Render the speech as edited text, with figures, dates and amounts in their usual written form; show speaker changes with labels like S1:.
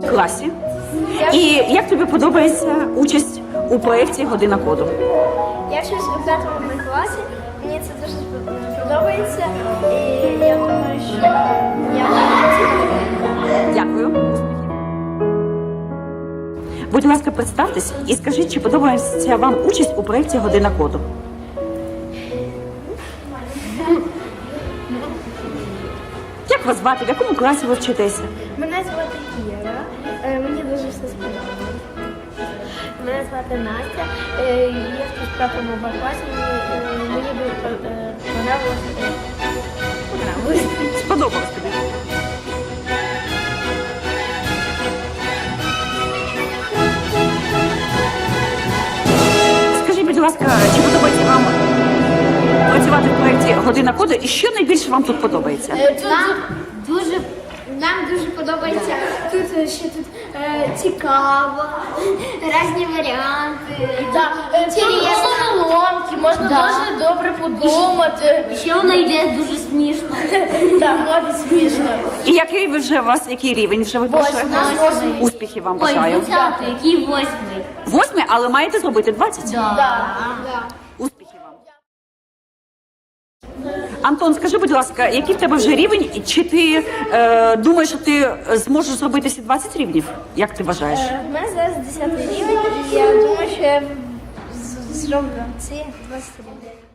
S1: класі. І як тобі подобається участь у проєкті «Година коду»?
S2: Я вчусь у 5 класі, мені це дуже подобається, і я думаю, що я
S1: Дякую. Будь ласка, представтесь і скажіть, чи подобається вам участь у проєкті «Година коду»? Як вас звати? В якому класі ви вчитеся?
S2: Мене звати Кіра, мені дуже все сподобалося. Мене звати Настя, я вчусь в 5 класі, мені дуже понравилось.
S1: Сподобалось тобі? Скажіть, будь ласка, чи подобається вам працювати в проєкті «Година коду» і що найбільше вам тут подобається?
S2: Нам дуже подобається тут ще цікаво, різні варіанти. Головоломки, можна дуже добре подумати.
S3: Ще вона йде дуже смішно.
S2: Так, буде смішно.
S1: І який ви вже у вас, який рівень вже ви пройшли? Успіхів вам
S3: Ой,
S1: бажаю.
S3: 20-й, який 8-й?
S1: 8, але маєте зробити 20? Успіхів вам. Антон, скажи, будь ласка, який в тебе вже рівень, і чи ти думаєш, що ти зможеш зробити всі 20 рівнів? Як ти вважаєш?
S2: У мене зараз 10 рівень, і я думаю, що я зроблю ці 20 рівень.